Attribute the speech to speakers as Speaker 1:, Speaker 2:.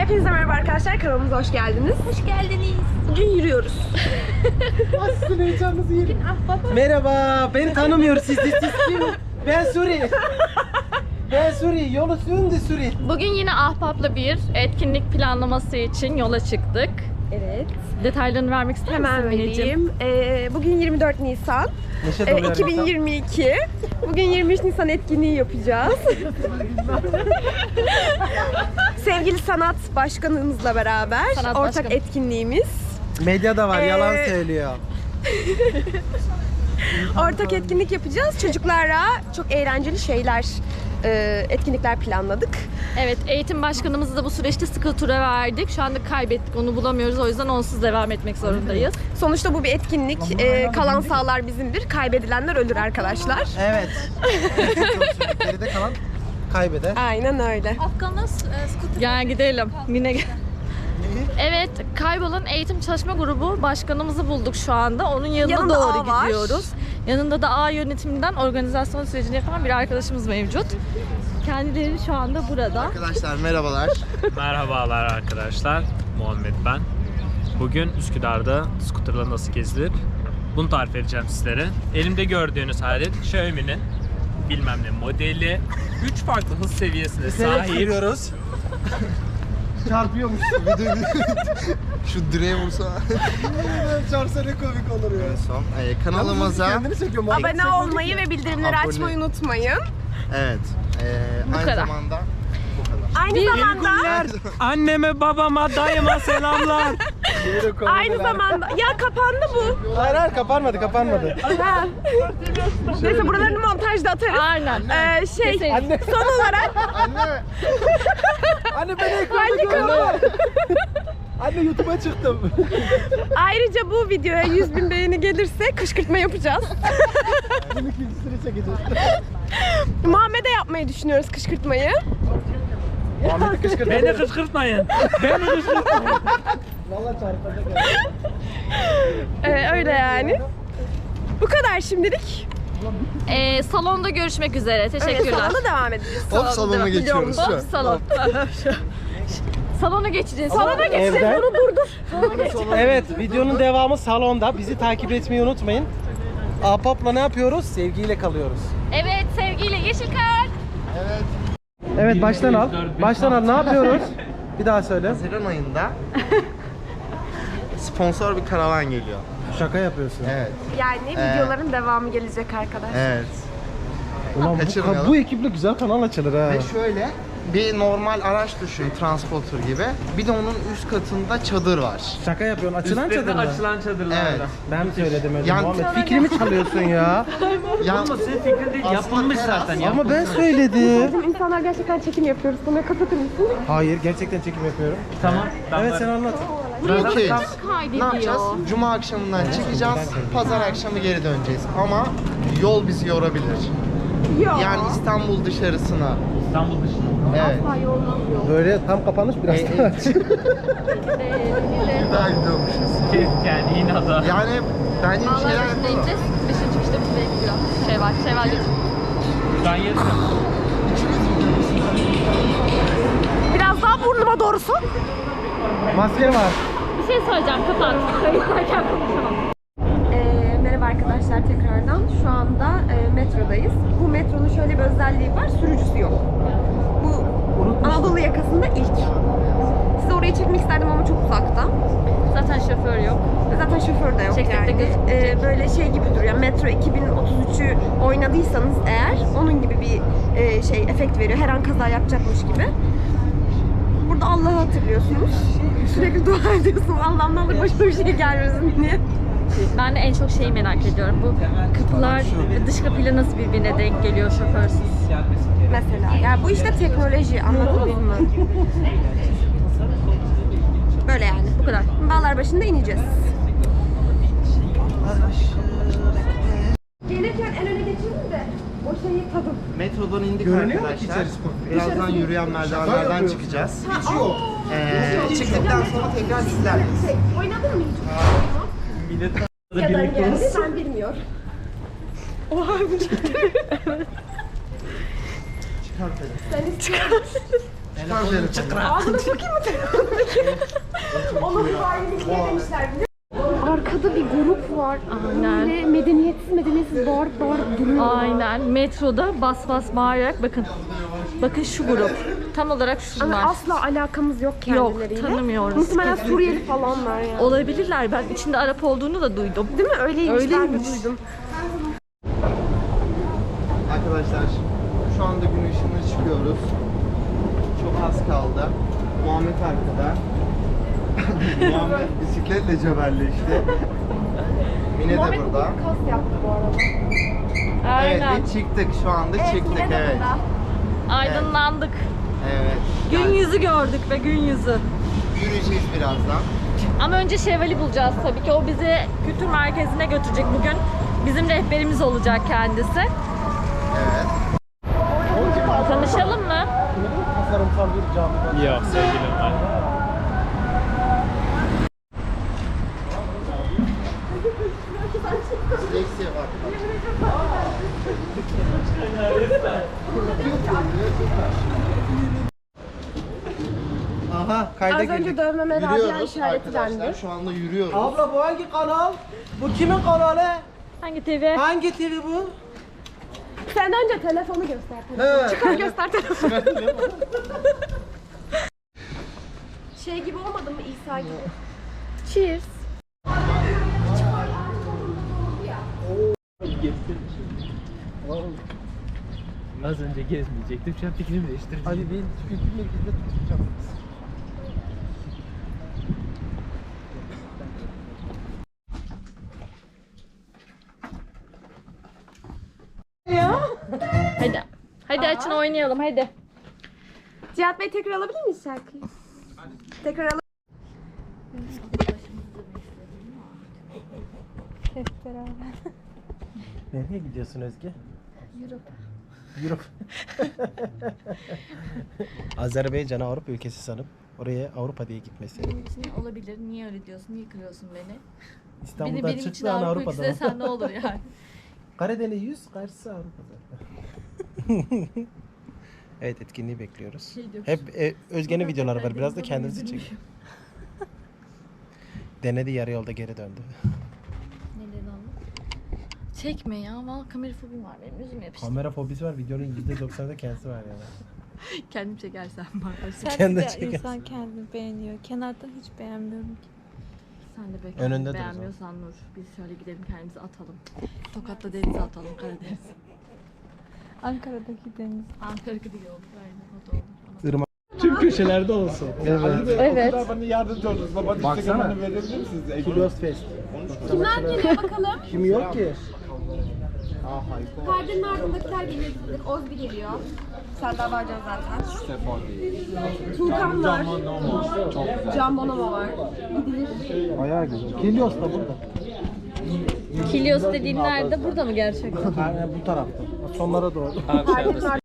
Speaker 1: Hepinize merhaba arkadaşlar, kanalımıza hoş geldiniz.
Speaker 2: Hoş geldiniz.
Speaker 1: Bugün yürüyoruz.
Speaker 3: Nasılsın, heyecanınızı yerim. Merhaba, beni tanımıyor siz kim? Ben Suri. Ben Suri, yolu sürdü Suri.
Speaker 2: Bugün yine Ahbap'la bir etkinlik planlaması için yola çıktık.
Speaker 1: Evet.
Speaker 2: Detaylarını vermek ister misin
Speaker 1: Hemen
Speaker 2: Mineciğim?
Speaker 1: vereyim. Bugün 24 Nisan.
Speaker 3: Neşe doluyor
Speaker 1: 2022. Bugün 23 Nisan etkinliği yapacağız. Sevgili sanat başkanımızla beraber
Speaker 2: Sanat
Speaker 1: ortak
Speaker 2: başkanı.
Speaker 1: etkinliğimiz.
Speaker 3: Medyada var, yalan söylüyor.
Speaker 1: Ortak etkinlik yapacağız. Çocuklara çok eğlenceli şeyler, etkinlikler planladık.
Speaker 2: Evet, eğitim başkanımızı da bu süreçte skutura verdik. Şu anda kaybettik, onu bulamıyoruz. O yüzden onsuz devam etmek zorundayız.
Speaker 1: Sonuçta bu bir etkinlik. Kalan sağlar bizimdir. Kaybedilenler ölür arkadaşlar.
Speaker 3: Evet. Geride kalan kaybeder.
Speaker 1: Aynen öyle.
Speaker 2: Afgan'a skuter. Gel gidelim. Mine gel. Evet, kaybolan eğitim çalışma grubu başkanımızı bulduk şu anda. Onun yanına
Speaker 1: Yanında
Speaker 2: doğru
Speaker 1: A var.
Speaker 2: gidiyoruz. Yanında da A yönetiminden organizasyon sürecini yapan bir arkadaşımız mevcut. Kendileri şu anda burada.
Speaker 4: Arkadaşlar merhabalar.
Speaker 5: Merhabalar arkadaşlar, Muhammed ben. Bugün Üsküdar'da skuterla nasıl gezilir bunu tarif edeceğim sizlere. Elimde gördüğünüz alet Xiaomi'nin bilmem ne modeli. 3 farklı hız seviyesine sahip.
Speaker 3: Sürüyoruz. Çarpıyormuş.
Speaker 4: Şu direğe vursa.
Speaker 3: Çarpsa ne komik olur ya.
Speaker 4: Son. Kanalımıza
Speaker 3: Kendini çekiyorum.
Speaker 1: Abone olmayı ve bildirimleri
Speaker 4: Abone.
Speaker 1: açmayı unutmayın.
Speaker 4: evet. Aynı
Speaker 2: kadar.
Speaker 4: zamanda bu kadar.
Speaker 1: Aynı zamanda
Speaker 5: Anneme, babama, dayıma selamlar.
Speaker 1: aynı zamanda ya kapandı bu.
Speaker 3: Hayır hayır, kapanmadı.
Speaker 1: Ha. Neyse buralarını montajda atarız.
Speaker 2: Aynen.
Speaker 1: Şey
Speaker 3: Anne.
Speaker 1: son olarak
Speaker 4: Anne.
Speaker 3: Anne beni ekranda gördü. Anne YouTube'a çıktım.
Speaker 1: ayrıca bu videoya 100.000 beğeni gelirse kışkırtma yapacağız.
Speaker 3: Bunun ikincisini çekeceğiz.
Speaker 1: Muhammed'e yapmayı düşünüyoruz kışkırtmayı.
Speaker 3: Muhammed'i kışkırtma.
Speaker 5: Beni kışkırtmayın. Beni kışkırtmayın.
Speaker 3: Valla çarpacak ya.
Speaker 1: Öyle yani. Bu kadar şimdilik.
Speaker 2: Salonda görüşmek üzere. Teşekkürler.
Speaker 1: Salona devam edeceğiz.
Speaker 4: Hop salona
Speaker 1: devam-
Speaker 4: geçiyoruz şu
Speaker 2: Hop
Speaker 4: an.
Speaker 2: salon. Salona geçeceğiz.
Speaker 1: Salona geçeceğiz.
Speaker 3: Evden.
Speaker 1: Onu durdur.
Speaker 3: Evet, videonun devamı salonda. Bizi takip etmeyi unutmayın. Ahbap'la ne yapıyoruz? Sevgiyle kalıyoruz.
Speaker 2: Evet, sevgiyle Yeşilkar.
Speaker 4: Evet.
Speaker 3: Evet, baştan al. Baştan al. Ne yapıyoruz? Bir daha söyle.
Speaker 4: Haziran ayında sponsor bir karavan geliyor.
Speaker 3: Şaka yapıyorsun.
Speaker 4: Evet.
Speaker 1: Yani videoların devamı gelecek arkadaşlar.
Speaker 4: Evet.
Speaker 3: Ulan
Speaker 4: Kaçırmayalım.
Speaker 3: bu ekiple güzel kanal açılır ha.
Speaker 4: Ve şöyle bir normal araç düşün, transporter gibi. Bir de onun üst katında çadır var.
Speaker 3: Şaka yapıyorsun. Açılan
Speaker 5: Üstlerinde
Speaker 3: çadır mı?
Speaker 5: açılan çadırlarla.
Speaker 4: Evet.
Speaker 3: Ben mi söyledim öyle?
Speaker 4: Yani-
Speaker 3: Muhammed fikrimi çalıyorsun ya.
Speaker 4: Ya,
Speaker 5: Ama senin fikrin değil,
Speaker 4: Aslında
Speaker 5: yapılmış
Speaker 4: teras.
Speaker 5: zaten.
Speaker 3: Ama ben söyledim.
Speaker 1: İnsanlar gerçekten çekim yapıyoruz. Bunu kapatır mısın?
Speaker 3: Hayır, gerçekten çekim yapıyorum.
Speaker 5: Tamam.
Speaker 3: Evet, sen anlat.
Speaker 4: okeyiz.
Speaker 2: Kaydediyor.
Speaker 4: Ne yapacağız? Cuma akşamından çıkacağız, pazar akşamı geri döneceğiz. Ama yol bizi yorabilir.
Speaker 1: Yok.
Speaker 4: Yani İstanbul dışarısına.
Speaker 5: İstanbul dışında.
Speaker 4: Evet.
Speaker 3: Böyle tam kapanış biraz daha aç.
Speaker 4: Daha gidiyormuşuz.
Speaker 5: Yani yine ada.
Speaker 4: Yani bence bir
Speaker 2: Vallahi
Speaker 4: şeyler
Speaker 2: başında
Speaker 4: yapalım.
Speaker 2: ineceğiz. Beşinci çıkışta bize gidiyor. Şey var.
Speaker 5: Ben yedim.
Speaker 1: Biraz daha burnuma doğrusu.
Speaker 3: Maske var.
Speaker 2: Bir şey söyleyeceğim, kapat. Kayıtlarken konuşamam.
Speaker 1: Merhaba arkadaşlar tekrardan. Şu anda metrodayız. Bu metronun şöyle bir özelliği var. Sürücüsü yok. Bu Anadolu yakasında ilk. Size orayı çekmek isterdim ama çok uzakta.
Speaker 2: Zaten şoför yok.
Speaker 1: Zaten şoför de yok
Speaker 2: Çektik de
Speaker 1: yani.
Speaker 2: gözükmeyecek.
Speaker 1: Böyle şey gibi duruyor. Metro 2033'ü oynadıysanız eğer onun gibi bir şey efekt veriyor. Her an kaza yapacakmış gibi. Burada Allah'ı hatırlıyorsunuz. Sürekli dua ediyorsunuz. Allah'ım ne olur başıma bir şey gelmesin diye.
Speaker 2: Ben de en çok şeyi merak ediyorum. Bu kapılar dış kapıyla nasıl birbirine denk geliyor şoförsüz?
Speaker 1: Mesela. Yani bu işte teknoloji, anladınız mı? Böyle yani.
Speaker 2: Bu kadar.
Speaker 1: Bağlarbaşı'nda ineceğiz. Gelirken en öne geçelim de o şeyi tadım.
Speaker 4: Metrodan indik
Speaker 3: Görünüyor mu
Speaker 4: arkadaşlar.
Speaker 3: içerisi?
Speaker 4: Birazdan yürüyen merdivenlerden çıkacağız. Çıktıktan sonra tekrar sizlerleyiz.
Speaker 1: Oynadın mı hiç?
Speaker 5: Millet
Speaker 1: Neden geldi ben bilmiyorum. Oha bu
Speaker 4: Çıkartalım.
Speaker 1: Sen çıkar.
Speaker 4: Çıkar telefonu.
Speaker 1: Ağzına sokayım mı telefonu? Onun halini demişler. Arkada bir grup var.
Speaker 2: Aynen.
Speaker 1: Böyle medeniyetsiz bağırıp duruyor.
Speaker 2: Aynen. Metroda bas bas bağırarak bakın. Bakın şu grup. Tam olarak şunlar.
Speaker 1: Ama asla alakamız yok kendileriyle.
Speaker 2: Yok, tanımıyoruz.
Speaker 1: Muhtemelen Suriyeli falanlar yani.
Speaker 2: Olabilirler. Ben içinde Arap olduğunu da duydum.
Speaker 1: Değil mi? Öyleymiş. Ben de
Speaker 2: Öyleymiş.
Speaker 1: duydum.
Speaker 4: Arkadaşlar şu anda gün ışığına çıkıyoruz. Çok az kaldı. Muhammed arkada. Muhammed bisikletle cebelleşti. Mine de burada.
Speaker 1: Kas yaptı bu arada.
Speaker 4: Evet
Speaker 2: Aynen.
Speaker 4: ve çıktık şu anda çıktık
Speaker 1: Mine de
Speaker 4: evet.
Speaker 2: Aydınlandık.
Speaker 4: Evet.
Speaker 2: Gün
Speaker 4: Yani
Speaker 2: yüzü gördük ve gün yüzü.
Speaker 4: yürüyeceğiz birazdan.
Speaker 2: Ama önce Şevval'i bulacağız tabii ki. O bizi kültür merkezine götürecek bugün. Bizim rehberimiz olacak kendisi.
Speaker 4: Evet.
Speaker 2: Tanışalım mı?
Speaker 3: Tasarımsal bir cami var.
Speaker 5: Yok sevgilim var.
Speaker 4: Leksiye bak. Aha kayda
Speaker 1: Az
Speaker 4: girdik.
Speaker 1: önce dövmeme Rabia
Speaker 4: Yürüyoruz
Speaker 1: işareti
Speaker 4: arkadaşlar.
Speaker 1: dendi.
Speaker 4: Şu anda yürüyoruz.
Speaker 3: Abla bu hangi kanal? Bu kimin kanalı?
Speaker 2: Hangi TV?
Speaker 3: Hangi TV bu?
Speaker 1: Sen önce telefonu göster.
Speaker 3: He.
Speaker 1: Çıkar göster telefonu. Şey gibi olmadı mı İsa gibi?
Speaker 2: Cheers.
Speaker 5: Az önce gezmeyecektim. Şu an fikrimi değiştirdim.
Speaker 3: Hadi bir kültür merkezinde tutacağım.
Speaker 2: Hadi. Hadi açın oynayalım hadi.
Speaker 1: Cihat Bey tekrar alabilir miyiz şarkıyı? Tekrar alabilir
Speaker 3: Nereye gidiyorsun Özge? Europe. Azerbaycan Avrupa ülkesi sanıp oraya Avrupa diye gitmesi.
Speaker 2: Olabilir. Niye öyle diyorsun? Niye kırıyorsun beni?
Speaker 3: İstanbul'dan
Speaker 2: benim için
Speaker 3: çıktı an
Speaker 2: Avrupa
Speaker 3: Avrupa'da.
Speaker 2: ülkesi sen ne olur yani.
Speaker 3: Karadeniz 100, karşısı Avrupa'da. Evet etkinliği bekliyoruz. Hep Özge'nin videoları var. Biraz da kendimizi çekin. Denedi yarı yolda geri döndü.
Speaker 2: Neden aldın? Çekme ya. Valla kamera fobim var benim. Yüzüm yapıştı.
Speaker 3: Kamera fobisi var. Videonun %90'da kendisi var yani.
Speaker 2: Kendim çekersen bari.
Speaker 3: Kendi
Speaker 6: Sadece
Speaker 3: çekersin.
Speaker 6: insan kendini beğeniyor. Kenardan hiç beğenmiyorum ki.
Speaker 2: Sen de be.
Speaker 3: Önünde dur o
Speaker 2: beğenmiyorsan Nur. Biz şöyle gidelim kendimizi atalım. Tokat'ta denize atalım Karadeniz.
Speaker 6: Ankara'daki deniz.
Speaker 2: Ankara gibi oldu. Aynen o da olur.
Speaker 3: Irmak.
Speaker 5: Tüm köşelerde olsun.
Speaker 3: Evet.
Speaker 2: Evet.
Speaker 7: Bana yardımcı olursunuz. Baba
Speaker 5: Baksana.
Speaker 7: verebilir misiniz?
Speaker 3: Kilos Fest.
Speaker 1: Kimler geliyor bakalım?
Speaker 3: Kim yok ki?
Speaker 1: Perdenin ardındakiler geliyor. Ozbi geliyor. Serdar Bağcan zaten. Tuğkan var. Can Bonomo var. Gidilir.
Speaker 3: Bayağı güzel. Kilos da burada.
Speaker 2: Kilios dediğin nerede? Burada mı gerçekten?
Speaker 3: Aynen bu tarafta. Sonlara doğru.
Speaker 1: Perdenin ardında